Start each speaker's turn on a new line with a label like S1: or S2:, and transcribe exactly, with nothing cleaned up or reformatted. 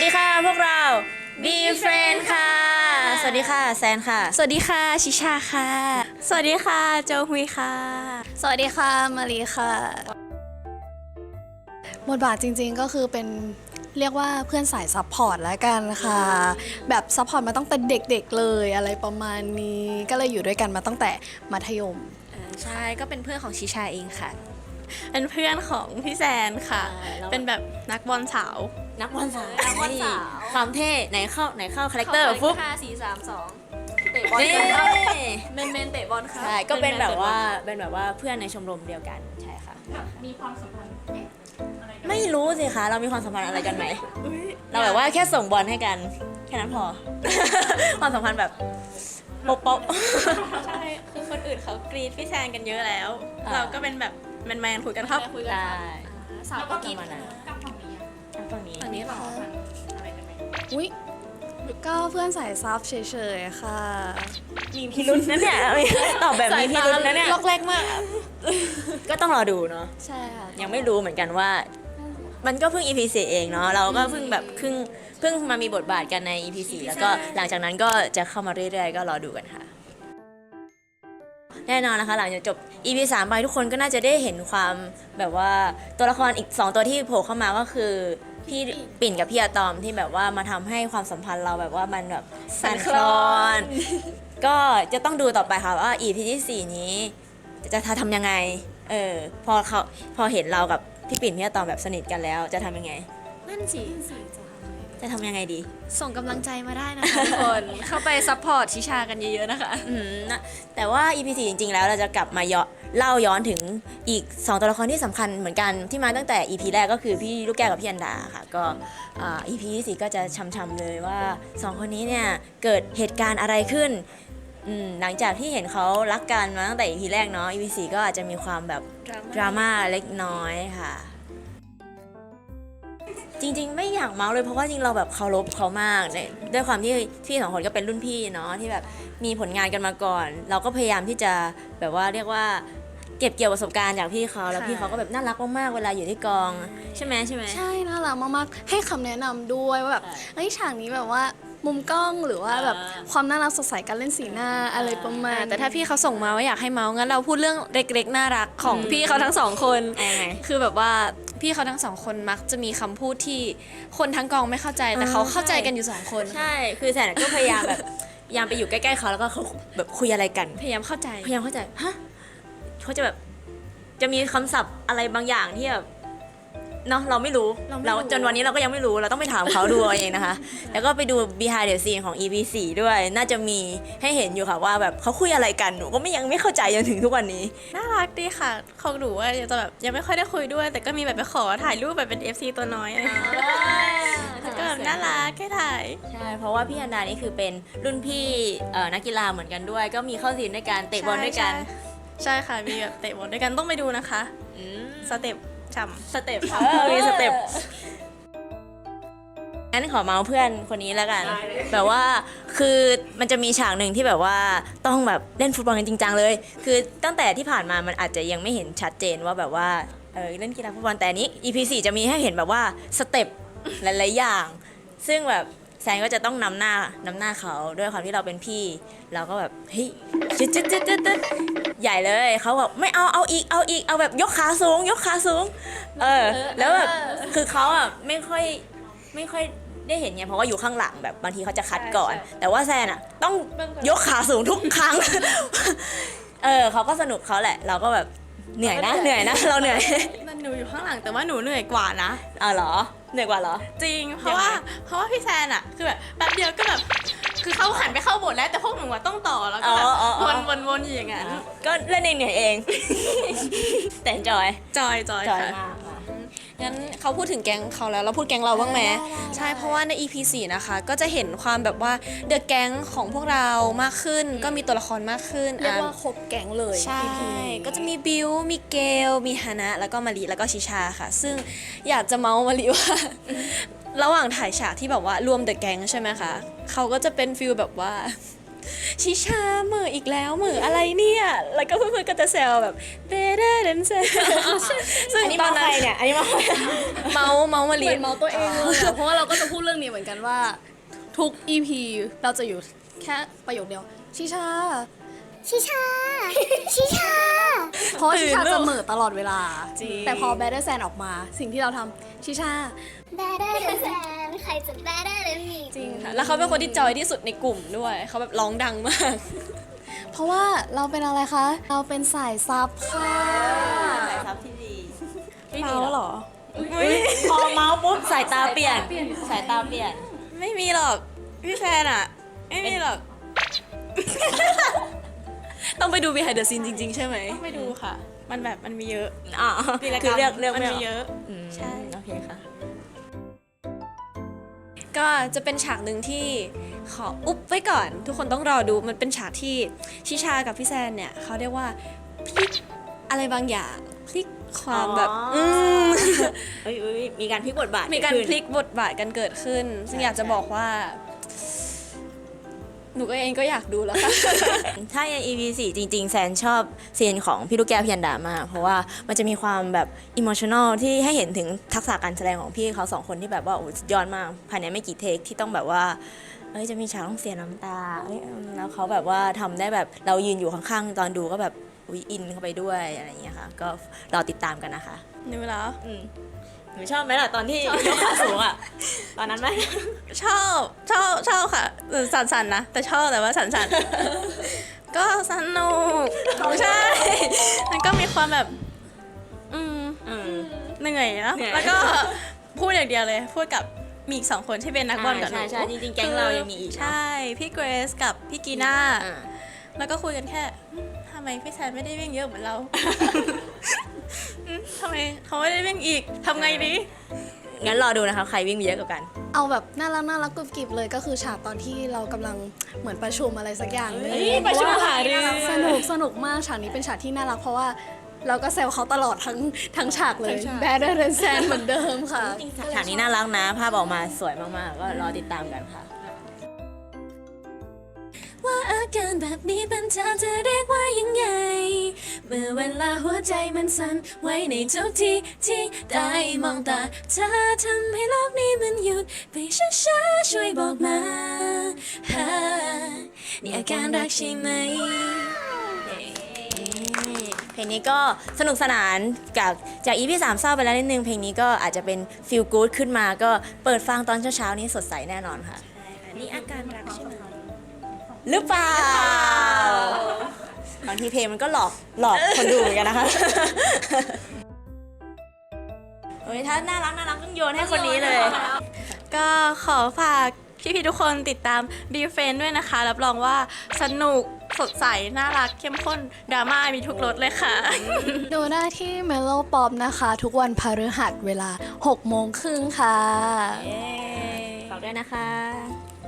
S1: ดีค่ะพวกเรา Be Friend ค่ะสวัสดีค่ะแซนค่ะ
S2: สวัสดีค่ะชิชาค่ะสวัสดีค่ะโจฮุยค่ะสวัสดีค่ะมารีค่ะบทบาทจริงๆก็คือเป็นเรียกว่าเพื่อนสายซัพพอร์ตแล้วกันค่ะแบบซัพพอร์ตมาตั้งแต่เด็กๆเลยอะไรประมาณนี้ก็เลยอยู่ด้วยกันมาตั้งแต่มัธยม
S1: ใช่ก็เป็นเพื่อนของชิชาเองค่ะ
S2: เป็นเพื่อนของพี่แซนค่ะเป็นแบบนักบอลสาว
S1: นักบอลสาว
S2: นักบอลสาว
S1: ความเท่ไหนเข้าไหนเข้าคาแรคเตอร์ฟุ๊บ
S2: ห้าสี่สามสองเตะบอล
S1: นี่
S2: เมนเมนเตะบอลค่ะ
S1: ใช่ก็เป็นแบบว่าเป็นแบบว่าเพื่อนในชมรมเดียวกันใช่ค่ะ
S2: มีความสัมพันธ์
S1: ไม่รู้สิคะเรามีความสัมพันธ์อะไรกันไหมเราแบบว่าแค่ส่งบอลให้กันแค่นั้นพอ ความสัมพันธ์แบบโป๊ะโป๊ะ
S2: ใช่คือคนอื่นเขากรีดพี่แซนกันเยอะแล้ว
S1: อ่า
S2: เราก็เป็นแบบแมนๆคุยกันครับ
S1: ได้
S2: สาวก็กรีด
S1: ประมาณนั้นฝั่งนี้
S2: อันนี้เหรอ
S3: อุ๊ยก็เพื่อนสายซับเฉยๆค่ะ
S1: มีพิรุษนะเนี่ยตอบแบบมีพิรุษนะเนี่ย
S2: ล็อกแรกมาก
S1: ก็ต้องรอดูเนาะ
S3: ใช่ค่ะ
S1: ยังไม่รู้เหมือนกันว่า มันก็เพิ่ง อี พี สี่เองเนาะเราก็เพิ่งแบบเพิ่งเพิ่งมามีบทบาทกันใน อี พี สี่แล้วก็หลังจากนั้นก็จะเข้ามาเรื่อยๆก็รอดูกันค่ะ แน่นอนนะคะหลังจากจบ อี พี สามไปทุกคนก็น่าจะได้เห็นความแบบว่าตัวละครอีกสองตัวที่โผล่เข้ามาก็คือพี่ปิ่นกับพี่อะตอมที่แบบว่ามาทำให้ความสัมพันธ์เราแบบว่ามันแบบสั่นคลอน ก็จะต้องดูต่อไปค่ะว่า อี พี ที่สี่นี้จะทำยังไงเออพอเขาพอเห็นเรากับพี่ปิ่นพี่อะตอมแบบสนิทกันแล้วจะทำยังไง
S2: นั่นสิ
S1: จะทำยังไงดี
S2: ส่งกำลังใจมาได้นะคะทุกคนเข้าไปซัพพอร์ตชิชากันเยอะๆนะคะ
S1: อืมนะแต่ว่า อี พี สี่จริงๆแล้วเราจะกลับมาย้อนเล่าย้อนถึงอีกสองตัวละครที่สำคัญเหมือนกันที่มาตั้งแต่ อี พี แรกก็คือพี่ลูกแก้วกับพี่อันดาค่ะก็อ่า อี พี ที่สี่ก็จะช้ำๆเลยว่าสองคนนี้เนี่ยเกิดเหตุการณ์อะไรขึ้นอืมหลังจากที่เห็นเขารักกันมาตั้งแต่ อี พี แรกเนาะ อี พี สี่ก็อาจจะมีความแบบดราม่าเล็กน้อยค่ะจริงๆไม่อยากเมาส์เลยเพราะว่าจริงเราแบบเคารพเขามากในด้วยความที่พี่สองคนก็เป็นรุ่นพี่เนาะที่แบบมีผลงานกันมาก่อน เราก็พยายามที่จะแบบว่าเรียกว่าเก็บเกี่ยวประสบการณ์จากพี่เขาแล้วพี่เขาก็แบบน่ารักมากๆเวลาอยู่ที่กองใช่ไหมใช่ไหม
S3: ใช่น่ารักมากๆให้คำแนะนำด้วยว่าแบบเฮ้ยฉากนี้แบบว่ามุมกล้องหรือว่าแบบความน่ารักสดใสการเล่นสีหน้าอะไรประมาณ
S2: แต่ถ้าพี่เขาส่งมาว่าอยากให้เมาส์งั้นเราพูดเรื่องเล็กๆน่ารักของพี่เขาทั้งสองคน
S1: ยังไง
S2: คือแบบว่าพี่เขาทั้งสองคนมักจะมีคำพูดที่คนทั้งกองไม่เข้าใจแต่เขาเข้าใจกันอยู่สองคน
S1: ใช่คือแสนก็พยายามแบบพยายามไปอยู่ใกล้ๆเขาแล้วก็เขาแบบคุยอะไรกัน
S2: พยายามเข้าใจ
S1: พยายามเข้าใจฮะเขาจะแบบจะมีคำศัพท์อะไรบางอย่างที่แบบเนาะเราไม่รู้
S2: เราไม่รู้
S1: จนวันนี้เราก็ยังไม่รู้เราต้องไปถามเขาดูเอาเองนะคะ แล้วก็ไปดู behind the scene ของ อี พี สี่ด้วย น่าจะมีให้เห็นอยู่ค่ะว่าแบบเขาคุยอะไรกันหนูก็ไม่ยังไม่เข้าใจจนถึงทุกวันนี้
S2: น่ารักดีค่ะของหนูว่าจะแบบยังไม่ค่อยได้คุยด้วย แต่ก็มีแบบไปขอถ่ายรูปแบบเป็น เอฟ ซี ตัวน้อยอะไรอย่างเงี้ยก็แบบน่ารักแค่ถ่าย
S1: ใช่เพราะว่าพี่อันดานี่คือเป็นรุ่นพี่เอ่อนักกีฬาเหมือนกันด้วย ก็มีเข้าซีนด้วยกันเตะบอลด้วยกัน
S2: ใช่ค่ะมีแบบเตะบอลด้วยกันต้องไปดูนะคะ
S1: อืม
S2: สเต็ปฉ่ำ
S1: สเต็ปเออมีสเต็ปงั้นขอเมาส์เพื่อนคนนี้แล้วกัน แบบว่าคือมันจะมีฉากหนึ่งที่แบบว่าต้องแบบเล่นฟุตบอลกันจริงจังเลย คือตั้งแต่ที่ผ่านมามันอาจจะยังไม่เห็นชัดเจนว่าแบบว่าเออเล่นกีฬาฟุตบอลแต่อันนี้ อี พี สี่จะมีให้เห็นแบบว่าสเต็ปหลายๆอย่าง ซึ่งแบบแซนก็จะต้องนำหน้านำหน้าเขาด้วยความที่เราเป็นพี่ เราก็แบบเฮ้ยจึ๊ดจึ๊ดจึ๊ดจึ๊ดจึ๊ดใหญ่เลยเขาแบบไม่เอาเอาอีกเอาอีกเอาแบบยกขาสูง ยกขาสูงเออแล้วแบบคือเขาอ่ะไม่ค่อยไม่ค่อยได้เห็นไงเพราะว่าอยู่ข้างหลังแบบบางทีเขาจะคัดก่อน แต่ว่าแซนอ่ะต้องยกขาสูงทุกครั้ง เออเขาก็สนุกเขาแหละ เราก็แบบเหนื่อยนะเหนื่อยนะเราเหนื่อย
S2: นั่นหนูอยู่ข้างหลังแต่ว่าหนูเหนื่อยกว่านะ
S1: อ๋อเหรอเหนื่อยกว่าเหรอ
S2: จริง เพราะว่าเพราะว่าพี่แซนอะคือแบบแป๊บเดียวก็แบบคือเขาหันไปเข้าบทแล้วแต่พวกหนูอะต้องต่อแล้วก็แบบ
S1: อ๋ออ๋ออ๋
S2: ว
S1: อ
S2: นวนวนอยู่อย่างนั้น
S1: ก็เล่นเองเหนื่อยเอง แต่จอย
S2: จอยจอย
S1: จอย
S2: ค่ะ
S1: มากค่ะ
S2: งั้นเขาพูดถึงแก๊งเขาแล้วเราพูดแก๊งเราบ้างไหมใช่เพราะว่าใน อี พี สี่ นะคะ ก็จะเห็นความแบบว่าเดอะแก๊งของพวกเรามากขึ้น ก็มีตัวละครมากขึ้น
S3: เรียก
S2: อ่ะ
S3: ว่าครบแก๊งเลย
S2: ใช่
S3: อี พี นี้
S2: ก็จะมีบิวมีเกล มีฮานะ แล้วก็มารีแล้วก็ชิชาค่ะ ซึ่งอยากจะเมาส์มารีว่า ระหว่างถ่ายฉากที่แบบว่ารวมเดอะแก๊งใช่ไหมคะเขาก็จะเป็นฟิลแบบว่า
S4: ชิชาเหมืออีกแล้วเหมืออะไรเนี่ยแล้วก็เพื่อนๆก็จะแซวแบบ better than แซวซึ่ง
S1: อันนี้
S4: ตอ
S1: มาน ใค
S4: นั้
S1: ร
S4: น
S1: เนี่ย อันนี้มาใคร
S4: เมาเมามา
S2: เห
S4: ลี
S2: มือนเมาตัวเองเลยอะเพราะว่าเราก็จะพูดเรื่องนี้เหมือนกันว่าทุก อี พี เราจะอยู่แค่ประโยคเดียวชิชา
S5: ชิชา ชิชา
S2: เพราะว่าชิชา
S4: ตื่นลูก
S2: จะเหม่อตลอดเวลา
S4: จริง
S2: แต่พอ Better Than ออกมา สิ่งที่เราทำชิชา
S5: better than แซนใครจะ better than me
S4: จริงค่ะแล้วเขาเป็นคนที่จอยที่สุดในกลุ่มด้วยเขาแบบร้องดังมาก
S2: เพราะว่าเราเป็นอะไรคะ เราเป็นสายซับค่ะ
S1: สายซับที่ดี
S4: เมาเหรอ
S1: พอเมาส์ปุ๊บสายตาเปลี่ยน สายตาเปลี่ยน
S4: ไม่มีหรอกพี่แซนอะไม่มีหรอก ต้องไปดู behind the scene จริง ๆ ใช่ไหมไม่ดูค่ะ มันแบบมันมีเยอะ
S1: อ๋อ
S4: วีรกร
S1: คือ
S4: รม
S1: เลือกเลือก
S4: มัน
S1: ไม่
S4: มี
S1: ออก
S4: เยอะ
S1: อืม
S4: ใช่
S1: โอเคค่ะ
S4: ก็จะเป็นฉากหนึ่งที่ขออุ๊บไว้ก่อน ทุกคนต้องรอดูมันเป็นฉากที่ชิชากับพี่แซนเนี่ยเขาเรียกว่าพลิกอะไรบางอย่างพลิกความแบบ
S1: อ๋ออื
S4: ม
S1: เอ้ยเอ้ยมีการพลิกบทบาท
S4: มีการ
S1: เด
S4: พลิกบทบาทกันเกิดขึ้น ซึ่ง
S1: ใช่
S4: อยากจะบอกว่า หนูก็เองก็อยากดูแล้วค่ะ
S1: ถ้าใน อี พี สี่จริง ๆ แซนชอบซีนของพี่ลูกแก้วพี่ยันดามาก เพราะว่ามันจะมีความแบบอิโมชัน a ลที่ให้เห็นถึงทักษะการแสดงของพี่เขาสองคนที่แบบว่าโอ้สุดยอดมากภายในไม่กี่เทคที่ต้องแบบว่าเอ้ยจะมีฉากต้องเสียน้ำตาเอ้ยแล้วเขาแบบว่าทำได้แบบเรายืนอยู่ข้างๆตอนดูก็แบบอุ๊ยอินเข้าไปด้วยอะไรอย่างเงี้ยค่ะ ก็รอติดตามกันนะคะ
S4: หนูแล้ว
S1: อืมหนูชอบไหมล่ะตอนที่ยกขาสูงอ่ะ ตอนนั้นไหม
S4: ชอบชอบชอบค่ะเออสั่นๆนะ แต่ชอบแต่ว่าสั่นๆ ก็สนุกใช่ มันก็มีความแบบ อืม
S1: อืม
S4: เหนื่อยนะ
S1: เหนื่อย
S4: แล้วก็พูดอย่างเดียวเลย พูดกับมีอีกสองคนที่เป็นนักบอลกับหนู
S1: ใช่ใช่จริงๆแก๊งเรายังมีอีกเนอะ
S4: ใช่ พี่เกรซกับพี่กีน่า
S1: อ่า
S4: แล้วก็คุยกันแค่อืมทำไมพี่แซนไม่ได้วิ่งเยอะเหมือนเรา อืมทำไมเขาไม่ได้วิ่งอีกทำไงดี
S1: งั้นรอดูนะคะใครวิ่งเยอะกว่ากัน
S2: เอาแบบน่ารักน่ารักกรุบกริบเลยก็คือฉากตอนที่เรากำลังเหมือนประชุมอะไรสักอย่างหนึง
S4: เฮ้ยประชุมหารือ
S2: สนุกสนุกมากฉากนี้เป็นฉากที่น่ารักเพราะว่าเราก็แซวเขาตลอดทั้งทั้งฉากเลย Better Than Sand เหมือนเดิมค่ะ
S1: ฉากนี้น่ารักนะ ภาพออกมาสวยมากๆ ก็รอติดตามกันค่ะ
S4: ว่าอาการแบบนี้เป็นเธอจะเรียกว่ายังไง เมื่อเวลาหัวใจมันสั่นไว้ในทุกทีที่ได้มองตาเธอทำให้โลกนี้มันหยุดไปช้าๆช่วยบอกมาฮะนี่อาการรักใช่ไหม
S1: เพลงนี้ก็สนุกสนานจากจาก อี พี สามเศร้าไปแล้วนิดนึง เพลงนี้ก็อาจจะเป็น feel good ขึ้นมาก็เปิดฟังตอนเช้าๆนี้สดใสแน่นอนค่ะ
S4: นี่อาการรักใช่ไหม
S1: หรือเปล่า บางทีเพลงมันก็หลอกหลอกคนดูเหมือนกันนะคะ เฮ้ยถ้าน่ารักน่ารักต้องโยนให้คนนี้เลย
S4: ก็ขอฝากพี่ๆทุกคนติดตาม Be Friend ด้วยนะคะ รับรองว่าสนุกสดใส น่ารักเข้มข้นดราม่ามีทุกรสเลยค่ะ
S2: ดูได้ที่ Mellow Pop นะคะ ทุกวันพฤหัสเวลาหกโมงครึ่งค่ะ
S1: ฝากด้วยนะคะ